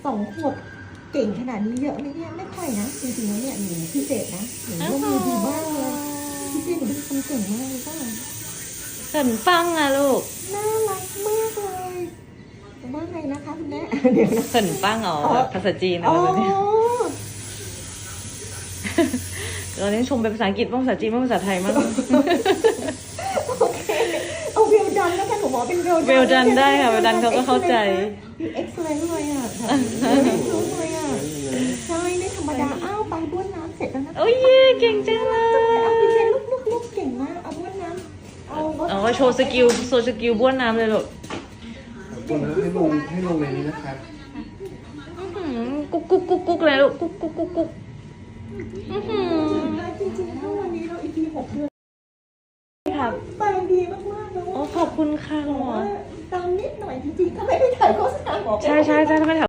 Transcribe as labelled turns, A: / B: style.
A: 2 ขวบเก่งขนาดนี้เยอะไหมเนี่ยไม่ค่อยนะจริงๆแล้วเนี่ยหนูพิเศษนะหนูร่วมมือดีมากเลยพี่เจหนูเป็นคนเก่งมากเลยก็
B: เขินฟังอะลูก
A: น่ารักมากเลยว่าไงนะคะคุณแม่เดี๋ยวนะ
B: เขินฟังอ๋อแบบภาษาจีนนะ
A: อ๋อ
B: แบบนี้เราเน้นชมเป็นภาษาอังกฤษบ้างภาษาจีนบ้างภาษาไทยบ้าง
A: โอเคเอาเวลดันแล้วกันหนูบอกเป็นเวลดัน
B: เวลดันได้ค่ะเวลดันเขาก็เข้าใจ
A: มีเอ็กซ์เลนเลยอ่ะเอ็กซ์เลยอ่ะใช่ไม่ธรรมดาอ้าวไปบ้วนน้ำเสร็จแล้วนะ
B: โอ้ยเย่เก่งจังเล
A: เอา
B: ย
A: พี่เชนลูกเก่งมากเอาบ้วนน้ำเอารถ
B: เอาโชว์สกิลบ้วนน้ำเลยลูก
C: ให้ลงในนี้นะครับ
B: กุ๊กกุ๊กกุ๊กกุ๊กเลยลูกกุ๊กกุ๊กกุ๊กกุ๊ก
A: จริงๆถ้าวันนี้เราอีกที6 เดือน
B: ครับ
A: ไปดีมากๆแล้ว
B: โอ้ขอบคุณค่ะคุณหมอ
A: ตามนิดหน่อยจริงๆถ้าไม่ได้ถ่ายโฆษณาหมอ
B: ใช่ถ้าไม่ถาม